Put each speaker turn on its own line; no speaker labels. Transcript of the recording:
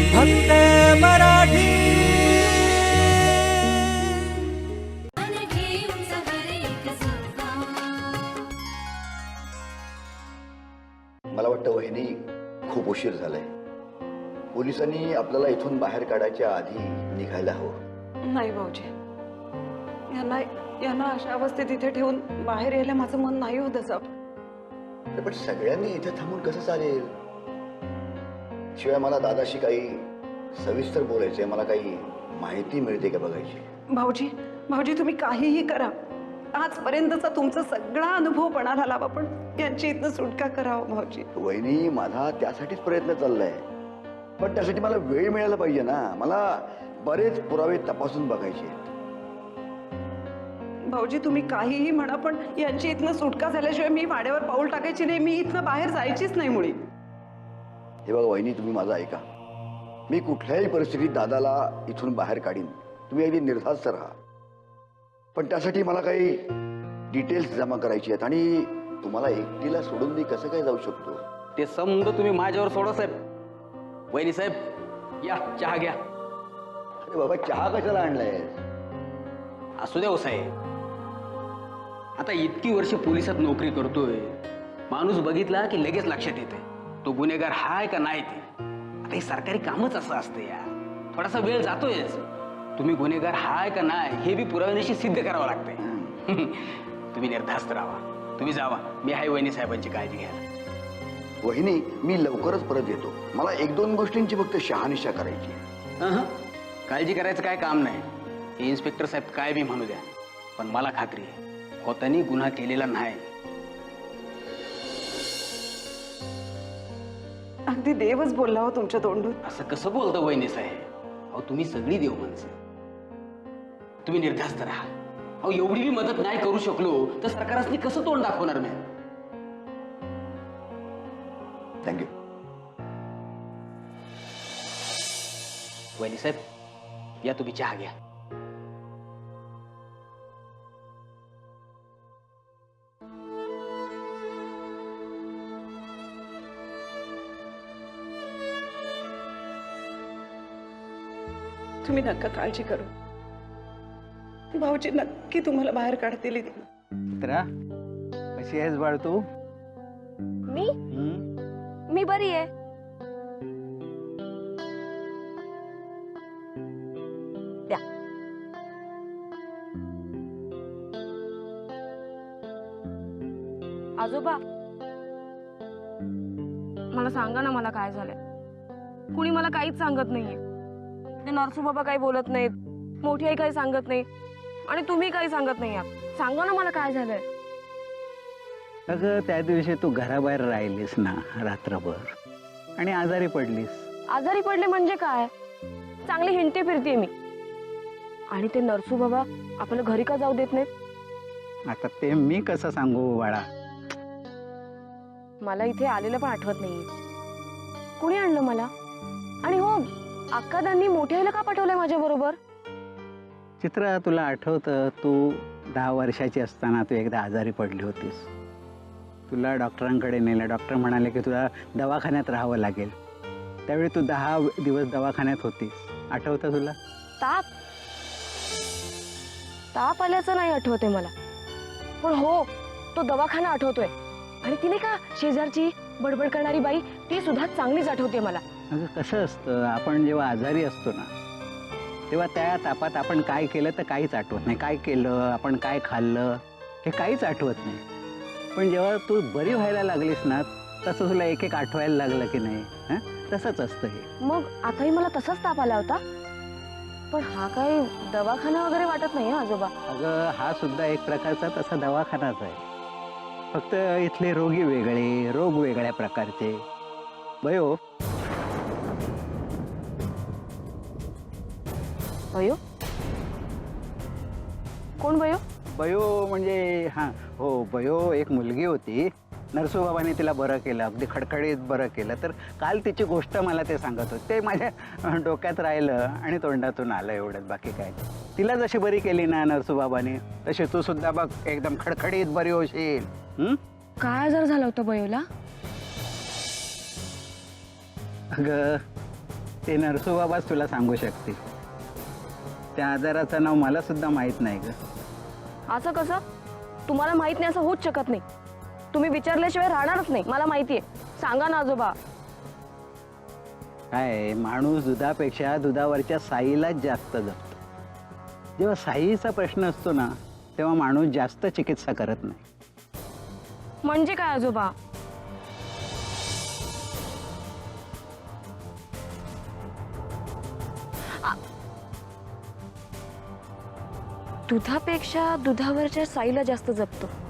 फक्त मराठी।
मला वाटतं वहिनी खूप उशीर झालाय. पोलिसांनी आपल्याला इथून बाहेर काढायच्या आधी निघायला हवं.
नाही भाऊजी, यांना यांना अशा अवस्थेत इथे ठेवून बाहेर यायला माझं मन नाही होत असं.
अरे पण सगळ्यांनी इथे थांबून कसं चालेल? शिवाय मला दादाशी काही सविस्तर बोलायचंय. मला काही माहिती मिळते का बघायची.
भाऊजी भाऊजी तुम्ही काहीही करा. आजपर्यंतचा तुमचा सगळा अनुभव पणाला लावा, पण यांची इथनं सुटका करावं भाऊजी.
वहिनी माझा त्यासाठीच प्रयत्न चाललाय, पण त्यासाठी मला वेळ मिळायला पाहिजे ना. मला बरेच पुरावे तपासून बघायचे आहेत.
भाऊजी तुम्ही काहीही म्हणा, पण यांची इथनं सुटका झाल्याशिवाय मी वाड्यावर पाऊल टाकायची नाही. मी इथनं बाहेर जायचीच नाही मुळी.
हे बघा वहिनी, तुम्ही माझा ऐका. मी कुठल्याही परिस्थितीत दादाला इथून बाहेर काढीन. तुम्ही अगदी निर्धास्त राहा. पण त्यासाठी मला काही डिटेल्स जमा करायची आहेत आणि तुम्हाला एकटीला सोडून मी कसं काय जाऊ शकतो?
ते समज तुम्ही माझ्यावर सोडा साहेब. वहिनी साहेब, या चहा घ्या.
अरे बाबा, चहा कशाला आणलाय?
असू द्या हो साहेब. आता इतकी वर्ष पोलिसात नोकरी करतोय, माणूस बघितला की लगेच लक्षात येते तो गुन्हेगार हाय का नाही ते. आता हे सरकारी कामच असं असतं या. थोडासा वेळ जातोयच. तुम्ही गुन्हेगार हाय का नाही हे बी पुराव्यानिशी सिद्ध करावं लागतंय. तुम्ही निर्धास्त राहा. तुम्ही जावा. मी आहे वहिनी साहेबांची काळजी घ्यायला.
वहिनी, मी लवकरच परत येतो. मला एक दोन गोष्टींची फक्त शहानिशा करायची.
काळजी करायचं काय काम नाही. हे इन्स्पेक्टर साहेब काय बी म्हणू द्या, पण मला खात्री आहे होतानी गुन्हा केलेला नाही.
अगदी देवच बोलला हो तुमच्या तोंडून.
असं कसं बोलतं वहिनी साहेब? अहो तुम्ही सगळी देव माणसं. तुम्ही निर्धास्त राहा. अहो एवढी बी मदत नाही करू शकलो तर सरकारने कसं तोंड दाखवणार मी?
थँक्यू.
वहिनी साहेब, या तुम्ही चहा घ्या.
तुम्ही नक्का काळजी करू. भाऊजी नक्की तुम्हाला बाहेर काढतील इथनं.
मित्रा, कशी आहेस बाळ तू?
मी बरी आहे. द्या. आजोबा, मला सांगा ना, मला काय झालंय? कुणी मला काहीच सांगत नाहीये. ते नरसू बाबा काही बोलत नाहीत, मोठी आई काही सांगत नाही, आणि तुम्ही काही सांगत नाही आहात. सांगा ना मला काय झालंय.
अगं, त्या दिवशी तू घराबाहेर राहिलीस ना रात्रभर आणि आजारी पडलीस.
आजारी पडले म्हणजे काय? चांगली हिंडते फिरते मी. आणि ते नरसू बाबा आपल्याला घरी का जाऊ देत नाहीत?
आता ते मी कसं सांगू बाळा?
मला इथे आलेलं पण आठवत नाहीये. कुणी आणलं मला? आणि हो, अक्कादांनी मोठ्या आईला का पाठवलंय माझ्या बरोबर?
चित्रा, तुला आठवतं तू 10 वर्षाची असताना तू एकदा आजारी पडली होतीस. तुला डॉक्टरांकडे नेलं. डॉक्टर म्हणाले की तुला दवाखान्यात राहावं लागेल. त्यावेळी तू 10 दिवस दवाखान्यात होतीस. आठवतं तुला?
ताप ताप आल्याचं नाही आठवते मला, पण हो, तो दवाखाना आठवतोय. आणि तिने का शेजारची बडबड करणारी बाई, ती सुद्धा चांगलीच आठवते मला.
अगं, कसं असतं, आपण जेव्हा आजारी असतो ना तेव्हा त्या तापात आपण काय केलं तर काहीच आठवत नाही. काय केलं, आपण काय खाल्लं, हे काहीच आठवत नाही. पण जेव्हा तू बरी व्हायला लागलीस ना, तसं तुला एक एक आठवायला लागलं की नाही? तसंच असतं हे.
मग आताही मला तसाच ताप आला होता, पण हा काही दवाखाना वगैरे वाटत नाही आजोबा.
अगं, हा सुद्धा एक प्रकारचा तसा दवाखानाच आहे. फक्त इथले रोगी वेगळे, रोग वेगळ्या प्रकारचे. बयो,
बयो? कोण बयो?
बयो म्हणजे हां, हो, बयो एक मुलगी होती. नरसूबाबांनी तिला बरं केलं, अगदी खडखडीत बरं केलं. तर काल तिची गोष्ट मला ते सांगत होते. ते माझ्या डोक्यात राहिलं आणि तोंडातून आलं, एवढंच, बाकी काय. तिला जशी बरी केली ना नरसूबाबांनी, तशी तू सुद्धा बघ एकदम खडखडीत बरी होशील.
काय आजार झाला होता बयोला?
अगं, ते नरसोबाबाच तुला सांगू शकते. त्या आजाराचं नाव मला सुद्धा माहित नाही ग.
असं कसं? तुम्हाला माहित नाही असं होऊच शकत नाही. तुम्ही विचारल्याशिवाय राहणारच नाही, मला माहितीये. सांगा ना आजोबा.
काय, माणूस दुधापेक्षा दुधावरच्या साईलाच जास्त जपतो. जेव्हा साईचा प्रश्न असतो ना, तेव्हा माणूस जास्त चिकित्सा करत नाही.
म्हणजे काय आजोबा? दुधापेक्षा दुधावरच्या साईला जास्त जपतो.